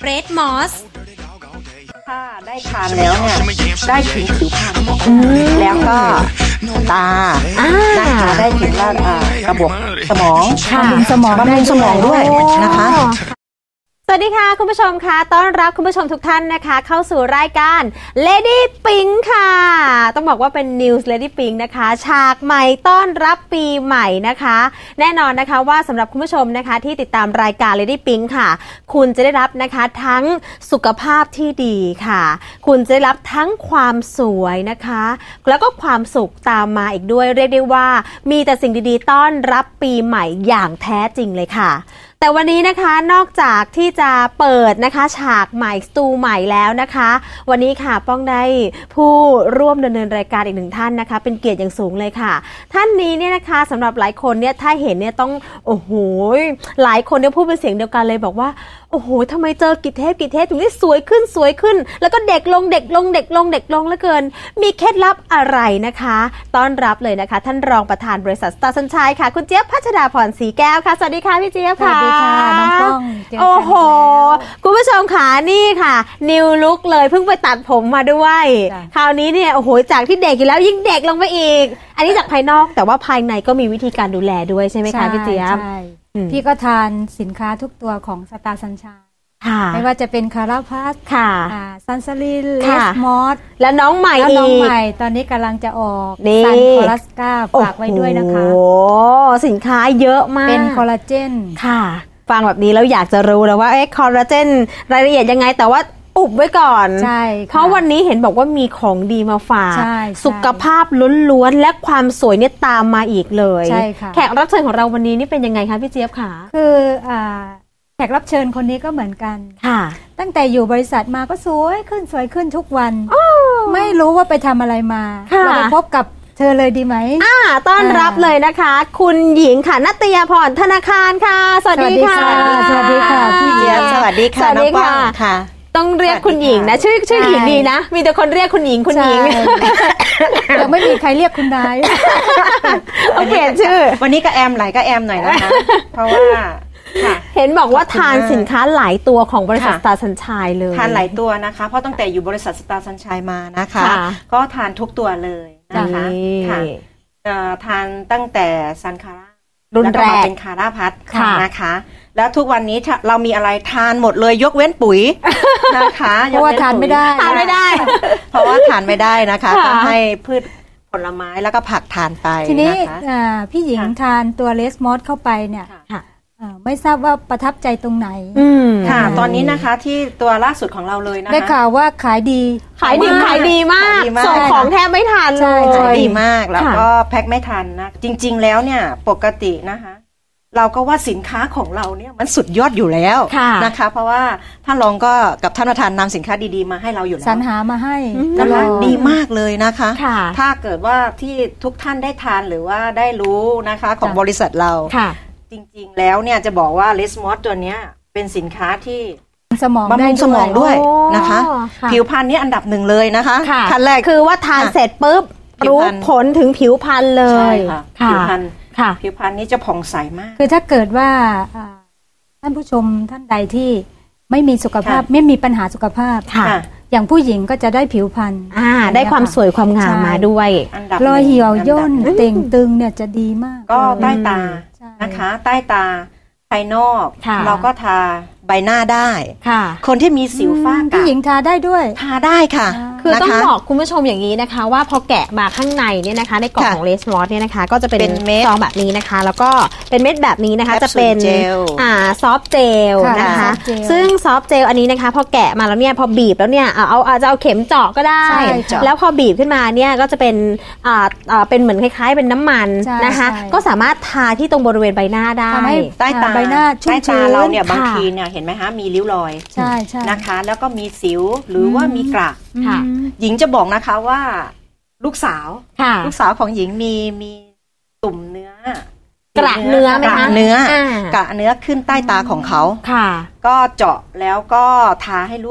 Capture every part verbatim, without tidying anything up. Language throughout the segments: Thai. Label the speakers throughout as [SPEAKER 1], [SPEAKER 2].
[SPEAKER 1] เรดมอส
[SPEAKER 2] ถ้าได้ทานแล้วเนี่ยได้ถึงผิวพรรณแล้วก็ตานะคะได้ถึงระบบสมองบำรุงสมองบำรุงสมองด้วยนะคะ
[SPEAKER 1] สวัสดีค่ะคุณผู้ชมค่ะต้อนรับคุณผู้ชมทุกท่านนะคะเข้าสู่รายการ Lady Pink ค่ะต้องบอกว่าเป็น News Lady Pink นะคะฉากใหม่ต้อนรับปีใหม่นะคะแน่นอนนะคะว่าสำหรับคุณผู้ชมนะคะที่ติดตามรายการ Lady Pink ค่ะคุณจะได้รับนะคะทั้งสุขภาพที่ดีค่ะคุณจะได้รับทั้งความสวยนะคะแล้วก็ความสุขตามมาอีกด้วยเรียกได้ว่ามีแต่สิ่งดีๆต้อนรับปีใหม่อย่างแท้จริงเลยค่ะแต่วันนี้นะคะนอกจากที่จะเปิดนะคะฉากใหม่สตูใหม่แล้วนะคะวันนี้ค่ะป้องได้ผู้ร่วมดำเนินรายการอีกหนึ่งท่านนะคะเป็นเกียรติอย่างสูงเลยค่ะท่านนี้เนี่ยนะคะสำหรับหลายคนเนี่ยถ้าเห็นเนี่ยต้องโอ้โหหลายคนเนี่ยพูดเป็นเสียงเดียวกันเลยบอกว่าโอ้โหทำไมเจอกี่เทปกี่เทปถึงได้สวยขึ้นสวยขึ้นแล้วก็เด็กลงเด็กลงเด็กลงเด็กลงเหลือเกินมีเคล็ดลับอะไรนะคะต้อนรับเลยนะคะท่านรองประธานบริษัทสตาร์สัญชัยค่ะคุณเจี๊ยบพัชดาพรศรีแก้วค่ะสวัสดีค่ะพี่เจี๊ยบค่ะ
[SPEAKER 3] สวัสดีค่ะน้องป้อง
[SPEAKER 1] โอ้โหคุณผู้ชมค่ะนี่ค่ะนิวลุคเลยเพิ่งไปตัดผมมาด้วยคราวนี้เนี่ยโอ้โหจากที่เด็กอยู่แล้วยิ่งเด็กลงไปอีกอันนี้จากภายนอกแต่ว่าภายในก็มีวิธีการดูแลด้วยใช่ไหมคะพี่เจี๊ยบ
[SPEAKER 3] พี่ก็ทานสินค้าทุกตัวของสตาร์สัญชัยไม่ว่าจะเป็นคาราพัสซันซาลินเลสมอส
[SPEAKER 1] และน้องใหม่อีก
[SPEAKER 3] น้องใหม่ตอนนี้กำลังจะออกซันคอลัสกาฝากไว้ด้วยนะคะ
[SPEAKER 1] โอ้สินค้าเยอะมาก
[SPEAKER 3] เป็นคอลลาเจน
[SPEAKER 1] ค่ะฟังแบบนี้แล้วอยากจะรู้แล้วว่าเอ๊ะคอลลาเจนรายละเอียดยังไงแต่ว่าอุบไว้ก่อน
[SPEAKER 3] ใช่
[SPEAKER 1] เพราะวันนี้เห็นบอกว่ามีของดีมาฝากสุขภาพล้วนๆและความสวยเนี่ยตามมาอีกเลย
[SPEAKER 3] ใช่ค่ะ
[SPEAKER 1] แขกรับเชิญของเราวันนี้นี่เป็นยังไงคะพี่เจี๊ยบคะ
[SPEAKER 3] คืออ่าแขกรับเชิญคนนี้ก็เหมือนกัน
[SPEAKER 1] ค่ะ
[SPEAKER 3] ตั้งแต่อยู่บริษัทมาก็สวยขึ้นสวยขึ้นทุกวันไม่รู้ว่าไปทำอะไรมาเราไปพบกับเธอเลยดีไหม
[SPEAKER 1] อ่าต้อนรับเลยนะคะคุณหญิงค่ะณัตยาพรธนาคารค่ะสวัสดีค่ะ
[SPEAKER 3] สวัสดีค่ะพี่
[SPEAKER 2] เจี๊ยบสวัสดีค่ะน้องป้องค่ะ
[SPEAKER 1] ต้องเรียกคุณหญิงนะชื่อชื่อหญิงดีนะมีแต่คนเรียกคุณหญิงคุณหญิง
[SPEAKER 3] ยังไม่มีใครเรียกคุณนาย
[SPEAKER 1] โอเคชื่อ
[SPEAKER 2] วันนี้ก็แอมไหลก็แอมหน่อยนะคะเพราะว่า
[SPEAKER 1] เห็นบอกว่าทานสินค้าหลายตัวของบริษัทสตาร์สัญชัยเลย
[SPEAKER 2] ทานหลายตัวนะคะเพราะตั้งแต่อยู่บริษัทสตาร์สัญชัยมานะคะก็ทานทุกตัวเลยนะคะค่ะทานตั้งแต่ซันคาร่า
[SPEAKER 1] รุ่นแรก
[SPEAKER 2] เป็นคาร่าพัทนะคะแล้วทุกวันนี้เรามีอะไรทานหมดเลยยกเว้นปุ๋ยนะคะ
[SPEAKER 3] เพราะว่าทานไม่ได้
[SPEAKER 1] ทานไม่ได้
[SPEAKER 2] เพราะว่าทานไม่ได้นะคะก็ให้พืชผลไม้แล้วก็ผักทานไป
[SPEAKER 3] ทีนี้พี่หญิงทานตัวเลสมอสเข้าไปเนี่ยไม่ทราบว่าประทับใจตรงไหน
[SPEAKER 2] ค่ะตอนนี้นะคะที่ตัวล่าสุดของเราเลยนะคะ
[SPEAKER 3] ได้ข่าวว่าขายดี
[SPEAKER 1] ขายดีขายดีมากส่งของแทบไม่ทันเลย
[SPEAKER 2] ขายดีมากแล้วก็แพ็คไม่ทันนะจริงๆแล้วเนี่ยปกตินะคะเราก็ว่าสินค้าของเราเนี่ยมันสุดยอดอยู่แล้วนะคะเพราะว่าท่านรองก็กับท่านประธานนำสินค้าดีๆมาให้เราอยู่แล้ว
[SPEAKER 3] สรรหามาให้
[SPEAKER 2] นะคะดีมากเลยนะคะถ้าเกิดว่าที่ทุกท่านได้ทานหรือว่าได้รู้นะคะของบริษัทเราจริงๆแล้วเนี่ยจะบอกว่าเลสมอสตัวนี้เป็นสินค้าที่
[SPEAKER 3] สมอง
[SPEAKER 2] บำรุงสมองด้วยนะคะผิวพรรณนี่อันดับหนึ่งเลยนะคะ
[SPEAKER 1] ขั้นแรกคือว่าทานเสร็จปุ๊บรู้ผลถึงผิวพรรณเลย
[SPEAKER 2] ผิวพรรณผิวพรรณนี้จะผ่องใสมาก
[SPEAKER 3] คือถ้าเกิดว่าท่านผู้ชมท่านใดที่ไม่มีสุขภาพไม่มีปัญหาสุขภาพอย่างผู้หญิงก็จะได้ผิวพรรณ
[SPEAKER 1] ได้ความสวยความงามมาด้วย
[SPEAKER 3] รอยเหี่ยวย่นเต่งตึงเนี่ยจะดีมาก
[SPEAKER 2] ก็ใต้ตานะคะใต้ตาภายนอกเราก็ทาใบหน้าได้คนที่มีสิวฝ้ากระ
[SPEAKER 3] ผู้หญิงทาได้ด้วย
[SPEAKER 2] ทาได้ค่ะ
[SPEAKER 1] คือต้องบอกคุณผู้ชมอย่างนี้นะคะว่าพอแกะมาข้างในเนี่ยนะคะในกล่องของเลสมอสเนี่ยนะคะก็จะเป็นซองแบบนี้นะคะแล้วก็เป็นเม็ดแบบนี้นะคะจะเป็นอ่าซอฟเจลนะคะซึ่งซอฟเจลอันนี้นะคะพอแกะมาแล้วเนี่ยพอบีบแล้วเนี่ยเอาอาจจะเอาเข็มเจาะก็ได้แล้วพอบีบขึ้นมาเนี่ยก็จะเป็นอ่าอ่าเป็นเหมือนคล้ายๆเป็นน้ำมันนะคะก็สามารถทาที่ตรงบริเวณใบหน้าได้
[SPEAKER 2] ใต้ตา
[SPEAKER 3] ใบหน้าชุ่มชื้น
[SPEAKER 2] เราเนี่ยบางทีเนี่ยเห็นไหมคะมีริ้วรอย
[SPEAKER 3] ใช่ใช่
[SPEAKER 2] นะคะแล้วก็มีสิวหรือว่ามีกระหญิงจะบอกนะคะว่าลูกสาวลูกสาวของหญิงมีมีตุ่มเนื้อก
[SPEAKER 1] ระเนื้อไหมคะ
[SPEAKER 2] เนื้อกระเนื้อขึ้นใต้ตาของเขาก็เจาะแล้วก็ทาให้ลูก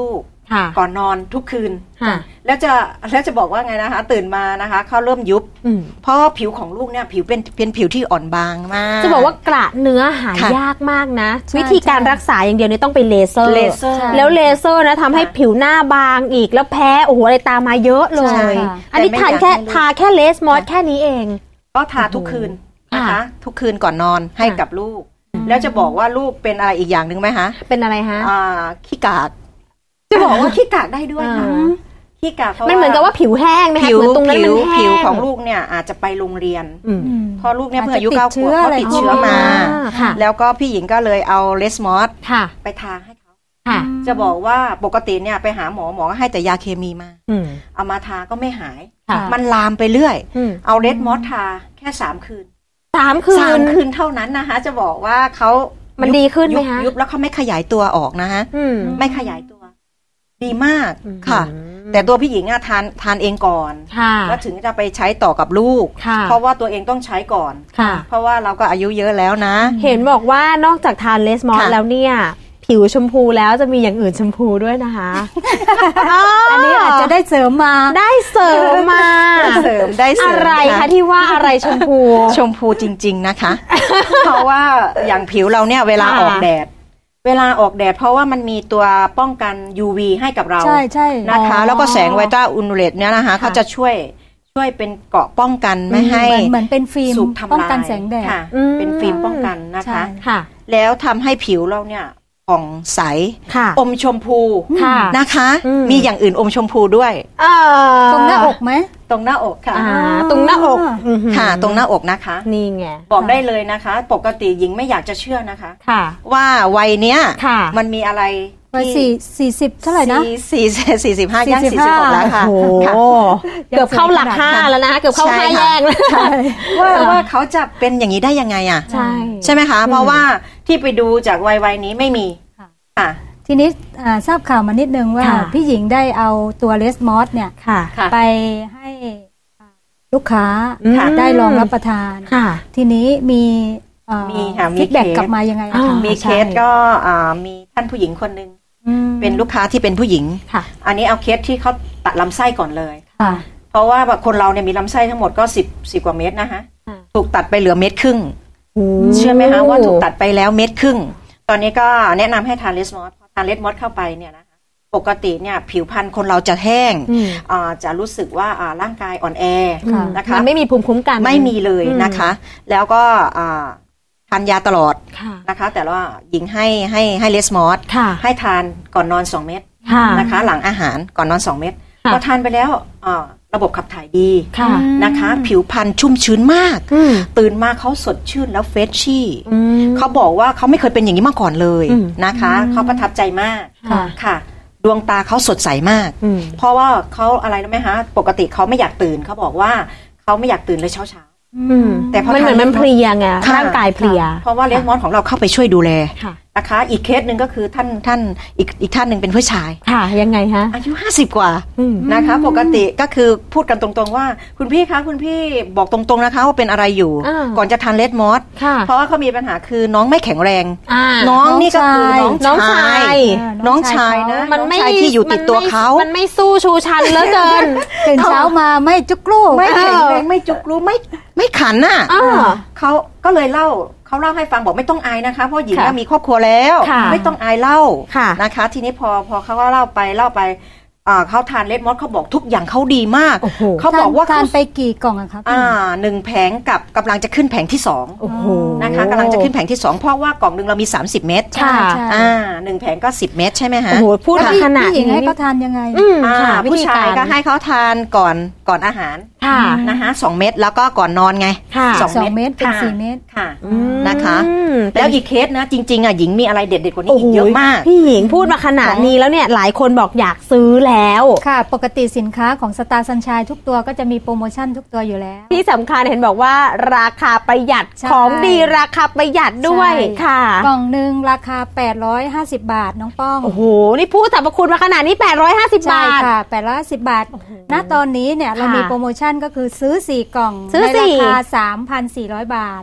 [SPEAKER 2] ก่อนนอนทุกคืน
[SPEAKER 1] ค่ะ
[SPEAKER 2] แล้วจะแล้วจะบอกว่าไงนะคะตื่นมานะคะเขาเริ่มยุบ
[SPEAKER 1] อืม
[SPEAKER 2] เพราะผิวของลูกเนี่ยผิวเป็นเป็นผิวที่อ่อนบางมาก
[SPEAKER 1] จะบอกว่ากระเนื้อหา
[SPEAKER 2] ค่ะ
[SPEAKER 1] ยากมากนะ
[SPEAKER 3] ใช่
[SPEAKER 1] วิธีการรักษาอย่างเดียวเนี่ยต้องไปเลเซอร์
[SPEAKER 2] เลเซอร์
[SPEAKER 1] แล้วเลเซอร์นะทำให้
[SPEAKER 2] ค่ะ
[SPEAKER 1] ผิวหน้าบางอีกแล้วแพ้โอ้โหอะไรตามมาเยอะเล
[SPEAKER 2] ใช่
[SPEAKER 1] ย
[SPEAKER 2] ค่ะ
[SPEAKER 1] อันนี้
[SPEAKER 2] แต่ไม่
[SPEAKER 1] ทาน
[SPEAKER 2] อยาก
[SPEAKER 1] แค่
[SPEAKER 2] ให้ลูก
[SPEAKER 1] ทาแค่เลสมอสแค่นี้เอง
[SPEAKER 2] ก็ทาทุกคืนนะคะ
[SPEAKER 1] ค่ะ
[SPEAKER 2] ทุกคืนก่อนนอนให้
[SPEAKER 1] ค่ะ
[SPEAKER 2] กับลูก แล้วจะบอกว่าลูกเป็นอะไรอีกอย่างหนึ่งไหมคะ
[SPEAKER 1] เป็นอะไรฮะ
[SPEAKER 2] อ่าขี้กากจะบอกว่าขี้กากได้ด้วยค่ะ
[SPEAKER 1] อ่า
[SPEAKER 2] ขี้กากเพราะ
[SPEAKER 1] มันเหมือนกับว่าผิวแห้งไหมคะ
[SPEAKER 2] ผิว
[SPEAKER 1] เหมือนตรงนั้น
[SPEAKER 2] ผิ
[SPEAKER 1] มั
[SPEAKER 2] วน
[SPEAKER 1] แห้ง
[SPEAKER 2] ผิวของลูกเนี่ยอาจจะไปโรงเรียน
[SPEAKER 1] อืม
[SPEAKER 3] อืม
[SPEAKER 2] พอลูกเนี่ยเพิ่งอายุ
[SPEAKER 3] อาจจะ
[SPEAKER 2] เก้า
[SPEAKER 3] ติด
[SPEAKER 2] ขวบ
[SPEAKER 3] เชื้อ
[SPEAKER 2] เขา
[SPEAKER 3] อะไร
[SPEAKER 2] ติดเชื้อมา
[SPEAKER 1] ค่ะ
[SPEAKER 2] แล้วก็พี่หญิงก็เลยเอาเลสมอส
[SPEAKER 1] ค่ะ
[SPEAKER 2] ไปทาให้เขา
[SPEAKER 1] ค่ะ
[SPEAKER 2] จะบอกว่าปกติเนี่ยไปหาหมอหมอก็ให้แต่ยาเคมีมา
[SPEAKER 1] อืม
[SPEAKER 2] เอามาทาก็ไม่หาย
[SPEAKER 1] ค่ะ
[SPEAKER 2] มันลามไปเรื่อย
[SPEAKER 1] อืม
[SPEAKER 2] เอาเลสมอสทาแค่สามคืน
[SPEAKER 1] สามคื
[SPEAKER 2] สาม
[SPEAKER 1] น
[SPEAKER 2] คืนเท่านั้นนะคะ จะบอกว่าเขา
[SPEAKER 1] มั
[SPEAKER 2] มัน
[SPEAKER 1] ดีขึ้นไหมคะ
[SPEAKER 2] ยุบแล้วเขาไม่ขยายตัวออกนะคะ
[SPEAKER 1] อืม
[SPEAKER 2] ไม่ขยายตัว ดีมาก
[SPEAKER 1] อืม
[SPEAKER 2] ค่ะ แต่ตัวพี่หญิงอะทานทานเองก่อน
[SPEAKER 1] ค่ะ
[SPEAKER 2] แล้วถึงจะไปใช้ต่อกับลูก
[SPEAKER 1] ค่ะ
[SPEAKER 2] เพราะว่าตัวเองต้องใช้ก่อน
[SPEAKER 1] ค่ะ
[SPEAKER 2] เพราะว่าเราก็อายุเยอะแล้วนะ
[SPEAKER 1] เห็นบอกว่านอกจากทานเลสมอส
[SPEAKER 2] ค่ะ
[SPEAKER 1] แล้วเนี่ย ผิวชมพูแล้วจะมีอย่างอื่นชมพูด้วยนะคะ
[SPEAKER 3] อันนี้อาจจะได้เสริมมา
[SPEAKER 1] ได้เสริมมา
[SPEAKER 2] ได้เสริมได้เสริม
[SPEAKER 1] อะไร
[SPEAKER 2] ค่ะ
[SPEAKER 1] คะที่ว่าอะไรชมพู
[SPEAKER 2] ชมพูจริง ๆนะคะ เพราะว่าอย่างผิวเราเนี่ยเวลา
[SPEAKER 1] ค่ะ
[SPEAKER 2] ออกแดด เวลาออกแดด เพราะว่ามันมีตัวป้องกัน ยู วี ให้กับเรา
[SPEAKER 3] ใช่ใช่
[SPEAKER 2] นะคะ
[SPEAKER 1] อ๋อ
[SPEAKER 2] แล้วก็แสงไวต้าอุลตราเรดเนี่ยนะคะ
[SPEAKER 1] ค่ะ
[SPEAKER 2] เขาจะช่วยช่วยเป็นเกราะป้องกันไม่ให้
[SPEAKER 3] เหมือนเหมือนเป็นฟิล์ม
[SPEAKER 2] สูบทำลาย
[SPEAKER 3] ป้องกันแสงแดด
[SPEAKER 2] ค่ะ
[SPEAKER 1] อืม
[SPEAKER 2] เป็นฟิล์มป้องกันนะคะ
[SPEAKER 3] ใช่
[SPEAKER 1] ค่ะ
[SPEAKER 2] แล้วทำให้ผิวเราเนี่ยผ่องใส
[SPEAKER 1] ค่ะ
[SPEAKER 2] อมชมพู
[SPEAKER 1] ค่ะ
[SPEAKER 2] นะคะ
[SPEAKER 1] อืม
[SPEAKER 2] มีอย่างอื่นอมชมพูด้วย
[SPEAKER 1] เอ่อ
[SPEAKER 3] ตรงหน้าอกไหม
[SPEAKER 2] ตรงหน้าอกค่ะ
[SPEAKER 1] อ่าตรงหน้าอกอื้อหือ
[SPEAKER 2] ค่ะ ตรงหน้าอกนะคะ
[SPEAKER 1] นี่ไง
[SPEAKER 2] บอกได้เลยนะคะ ปกติหญิงไม่อยากจะเชื่อนะคะ
[SPEAKER 1] ค่ะ
[SPEAKER 2] ว่าวัยเนี้ย
[SPEAKER 1] ค่ะ
[SPEAKER 2] มันมีอะไร
[SPEAKER 3] วัยสี่สี่สิบเท่าไหร่นะ
[SPEAKER 2] สี่สี่สิบห้าย่าง
[SPEAKER 3] สี่
[SPEAKER 2] สี่
[SPEAKER 3] สิ
[SPEAKER 2] สิ
[SPEAKER 3] บบ ห้า
[SPEAKER 2] หกแล้วค่ะ
[SPEAKER 1] โอ้โห
[SPEAKER 2] ค่ะ
[SPEAKER 1] เกือบเข้าหลักห้าแล้วนะเกือบเข้า
[SPEAKER 2] ใช่
[SPEAKER 1] ห้า
[SPEAKER 2] ค่ะ
[SPEAKER 1] แยกแล้ว
[SPEAKER 3] ใช่
[SPEAKER 2] ว่าว่าเขาจะเป็นอย่างนี้ได้ยังไงอ่ะ
[SPEAKER 1] ใช่
[SPEAKER 2] ใช่ไหมคะ เพราะว่าที่ไปดูจากวัยวัยนี้ไม่มี
[SPEAKER 3] ค่ะ
[SPEAKER 2] ค่ะ
[SPEAKER 3] ทีนี้อ่าทราบข่าวมานิดนึงว่า
[SPEAKER 1] ค่ะ
[SPEAKER 3] พี่หญิงได้เอาตัวเลสมอสเนี่ย
[SPEAKER 1] ค่ะ
[SPEAKER 2] ค่ะ
[SPEAKER 3] ไปให้อ่าลูกค้า
[SPEAKER 1] อืม
[SPEAKER 3] ได้ลองรับประทาน
[SPEAKER 1] ค่ะ
[SPEAKER 3] ทีนี้มีเอ่อ
[SPEAKER 2] มีค่ะมี
[SPEAKER 3] ฟีดแบ็ก
[SPEAKER 2] เคส
[SPEAKER 3] กลับมายังไงอะ
[SPEAKER 1] อ่า
[SPEAKER 3] คะ
[SPEAKER 2] มีเคสก็อ่ามีท่านผู้หญิงคนหนึ่ง
[SPEAKER 3] อืม
[SPEAKER 2] เป็นลูกค้าที่เป็นผู้หญิง
[SPEAKER 1] ค่ะ
[SPEAKER 2] อันนี้เอาเคสที่เขาตัดลำไส้ก่อนเลย
[SPEAKER 3] ค่ะ
[SPEAKER 2] เพราะว่าแบบคนเราเนี่ยมีลำไส้ทั้งหมดก็สิบสิบกว่าเม็ดนะคะ
[SPEAKER 1] ค่ะ
[SPEAKER 2] ถูกตัดไปเหลือเม็ดครึ่ง
[SPEAKER 1] โอ้
[SPEAKER 2] เชื่อไหมคะว่าถูกตัดไปแล้วเม็ดครึ่ง ตอนนี้ก็แนะนำให้ทานเลสมอสพอทานเลสมอสเข้าไปเนี่ยนะคะปกติเนี่ยผิวพรรณคนเราจะแห้ง
[SPEAKER 1] อืม
[SPEAKER 2] อ่าจะรู้สึกว่าอ่าร่างกายอ่อนแอ
[SPEAKER 3] ค่ะ
[SPEAKER 2] นะคะ
[SPEAKER 1] มันไม่มีภูมิคุ้มกัน
[SPEAKER 2] ไม่มีเลยนะคะ แล้วก็อ่าทานยาตลอด
[SPEAKER 1] ค่ะ
[SPEAKER 2] นะคะ แต่ว่าหญิงให้ให้ให้เลสมอส
[SPEAKER 1] ค่ะ
[SPEAKER 2] ให้ทานก่อนนอนสองเม็ด
[SPEAKER 1] ค่ะ
[SPEAKER 2] นะคะ หลังอาหารก่อนนอนสองเม็ด
[SPEAKER 1] ค่ะ
[SPEAKER 2] พอทานไปแล้วอ่าระบบขับถ่ายดี
[SPEAKER 1] ค่ะ
[SPEAKER 2] นะคะ ผิวพรรณชุ่มชื้นมาก
[SPEAKER 1] อืม
[SPEAKER 2] ตื่นมาเขาสดชื่นแล้วเฟรชชี่
[SPEAKER 1] อืม
[SPEAKER 2] เขาบอกว่าเขาไม่เคยเป็นอย่างนี้มาก่อนเลย
[SPEAKER 1] อืม
[SPEAKER 2] นะคะเขาประทับใจมาก
[SPEAKER 1] ค่ะ
[SPEAKER 2] ค่ะ ดวงตาเขาสดใสมาก
[SPEAKER 1] อืม
[SPEAKER 2] เพราะว่าเขาอะไรรู้ไหมคะปกติเขาไม่อยากตื่นเขาบอกว่าเขาไม่อยากตื่นเลยเช้าเช้า
[SPEAKER 1] อืม
[SPEAKER 2] แต่พอ
[SPEAKER 1] มันเหมือน
[SPEAKER 2] ทาน
[SPEAKER 1] มันเพลียไง
[SPEAKER 2] ค่ะ
[SPEAKER 1] ร่างกายเพลีย
[SPEAKER 2] เพราะว่าเลสมอสของเราเข้าไปช่วยดูแล
[SPEAKER 1] ค่ะ
[SPEAKER 2] นะคะ อีกเคสหนึ่งก็คือท่านท่านอีกอีกท่านหนึ่งเป็นผู้ชาย
[SPEAKER 1] ค่ะ ยังไงฮะ
[SPEAKER 2] อายุห้าสิบกว่า
[SPEAKER 1] อืม
[SPEAKER 2] นะคะ ปกติก็คือพูดกันตรงๆว่าคุณพี่คะคุณพี่บอกตรงๆนะคะว่าเป็นอะไรอยู่
[SPEAKER 1] อ่า
[SPEAKER 2] ก่อนจะทานเลสมอส
[SPEAKER 1] ค่ะ
[SPEAKER 2] เพราะว่าเขามีปัญหาคือน้องไม่แข็งแรง
[SPEAKER 1] อ่า
[SPEAKER 2] น้องนี่ก็คือน้อง
[SPEAKER 1] น้อง
[SPEAKER 2] ชา
[SPEAKER 1] ชาย
[SPEAKER 2] ย
[SPEAKER 3] เออ
[SPEAKER 2] น้องชายนะ
[SPEAKER 1] มันไม่
[SPEAKER 2] องชายที่อยู่ติดตัวเขา
[SPEAKER 1] มันไม่สู้ชูชันเหลือเกิน
[SPEAKER 3] ตื่นเช้ามาไม่จุกลูก
[SPEAKER 2] ไม่แข็งแรงไม่จุกรู้ไม่ไม่ขันน่ะ
[SPEAKER 1] อ่า
[SPEAKER 2] เขาก็เลยเล่าเขาเล่าให้ฟังบอกไม่ต้องอายนะคะเพราะหญิง
[SPEAKER 1] ค่ะ
[SPEAKER 2] น่ะมีครอบครัวแล้ว
[SPEAKER 1] ค่ะ
[SPEAKER 2] ไม่ต้องอายเล่า
[SPEAKER 1] ค่ะ
[SPEAKER 2] นะคะ ทีนี้พอพอเขาก็เล่าไปเล่าไปอ่าเขาทานเลดมอสเขาบอกทุกอย่างเขาดีมาก
[SPEAKER 1] โอ้โห
[SPEAKER 2] เขาบอกว่า
[SPEAKER 3] ทาน
[SPEAKER 2] เขา
[SPEAKER 3] ไปกี่กล่องอะครับ
[SPEAKER 2] อ่าหนึ่งแผงกับกำลังจะขึ้นแผงที่สอง
[SPEAKER 1] โอ้โห
[SPEAKER 2] นะคะกำลังจะขึ้นแผงที่สองเพราะว่ากล่องหนึ่งเรามีสามสิบเม็ด
[SPEAKER 1] ค่ะ
[SPEAKER 3] ใช่
[SPEAKER 2] อ่าหนึ่งแผงก็สิบเม็ดใช่ไหมฮะ
[SPEAKER 1] โอ้โห พูด
[SPEAKER 3] แล้ว
[SPEAKER 1] มา
[SPEAKER 3] พี่
[SPEAKER 1] ขนาด
[SPEAKER 3] พี่หญิง
[SPEAKER 1] นี้
[SPEAKER 3] ให้เขาทานยังไง
[SPEAKER 1] อืม
[SPEAKER 2] อ่า
[SPEAKER 1] ค่ะ
[SPEAKER 2] ผู้ชายก็ให้เขาทานก่อนก่อนอาหาร
[SPEAKER 1] ค่ะ
[SPEAKER 2] นะคะสองเม็ดแล้วก็ก่อนนอนไง
[SPEAKER 1] ค่ะ
[SPEAKER 2] สอง
[SPEAKER 3] สองเม็ดเป็น
[SPEAKER 2] ค่ะ
[SPEAKER 3] สี่เม็ด
[SPEAKER 2] ค่ะ
[SPEAKER 1] อืม
[SPEAKER 2] นะคะ
[SPEAKER 1] เป็
[SPEAKER 2] แล้
[SPEAKER 1] น
[SPEAKER 2] วอีกเคสนะจริงๆอ่ะหญิงมีอะไรเด็ดๆกว่านี้
[SPEAKER 1] โอ้
[SPEAKER 2] อี
[SPEAKER 1] โห
[SPEAKER 2] กเยอะมาก
[SPEAKER 1] พี่หญิงพูดมาขนาดนี้แล้วเนี่ยหลายคนบอกอยากซื้อแล้ว
[SPEAKER 3] ค่ะ ปกติสินค้าของสตาร์ซันชายทุกตัวก็จะมีโปรโมชั่นทุกตัวอยู่แล้ว
[SPEAKER 1] ที่สำคัญเห็นบอกว่าราคาประหยัด
[SPEAKER 3] ใช่
[SPEAKER 1] ของดีราคาประหยัดด้วย
[SPEAKER 3] ใช่
[SPEAKER 1] ค่ะ
[SPEAKER 3] กล่องหนึ่งราคาแปดร้อยห้าสิบบาทน้องป้อง
[SPEAKER 1] โอ้โห นี่พูดสรรพคุณมาขนาดนี้ แปดร้อยห้าสิบ
[SPEAKER 3] ใช่
[SPEAKER 1] บาท
[SPEAKER 3] ค่ะแปดร้อยห้าสิบบาท ณ ตอนนี้เนี่ยเรา
[SPEAKER 1] ค่ะ
[SPEAKER 3] มีโปรโมชั่นก็คือซื้อสี่กล่อง
[SPEAKER 1] ซื้อ
[SPEAKER 3] ใน
[SPEAKER 1] สี่
[SPEAKER 3] ราคา สามพันสี่ร้อย บาท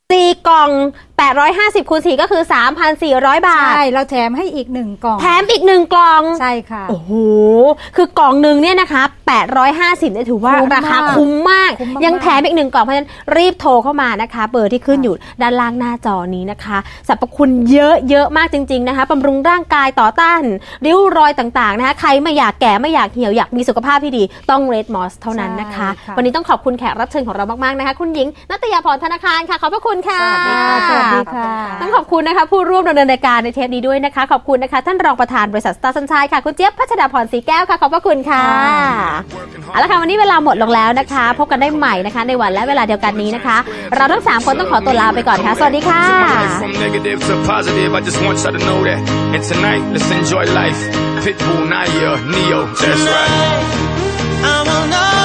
[SPEAKER 1] สี่กล่องแปดร้อยห้าสิบคูณสี่ก็คือ สามพันสี่ร้อย บาท
[SPEAKER 3] ใช่เราแถมให้อีกหนึ่งกล่อง
[SPEAKER 1] แถมอีกหนึ่งกล่อง
[SPEAKER 3] ใช่ค่ะ
[SPEAKER 1] โอ้โหคือกล่องหนึ่งเนี่ยนะคะแปดร้อยห้าสิบเนี่ยถือว่าราคาคุ้มมากยังแถมอีกหนึ่งกล่องเพราะฉะนั้นรีบโทรเข้ามานะคะเบอร์ที่ขึ้นอยู่ด้านล่างหน้าจอนี้นะคะสรรพคุณเยอะเยอะมากจริงๆนะคะบำรุงร่างกายต่อต้านริ้วรอยต่างๆนะคะใครไม่อยากแก่ไม่อยากเหี่ยวอยากมีสุขภาพที่ดีต้อง Red Moss เท่านั้นนะคะวันนี้ต้องขอบคุณแขกรับเชิญของเรามากๆนะคะคุณหญิงณัฐยาพรธนาคารค่ะขอบพระคุณค่ะ
[SPEAKER 3] สวัสดีค่ะ
[SPEAKER 1] ต้องขอบคุณนะคะผู้ร่วมดำเนินรายการในเทปนี้ด้วยนะคะขอบคุณนะคะท่านรองประธานบริษัทสตาร์สัญชัยค่ะคุณเจี๊ยบพัชดาพรศรีแก้วค่ะขอบพระคุณค่ะเอาละค่ะวันนี้เวลาหมดลงแล้วนะคะพบกันได้ใหม่นะคะในวันและเวลาเดียวกันนี้นะคะเราทั้งสามคนต้องขอตัวลาไปก่อนค่ะสวัสดีค่ะ
[SPEAKER 4] I will know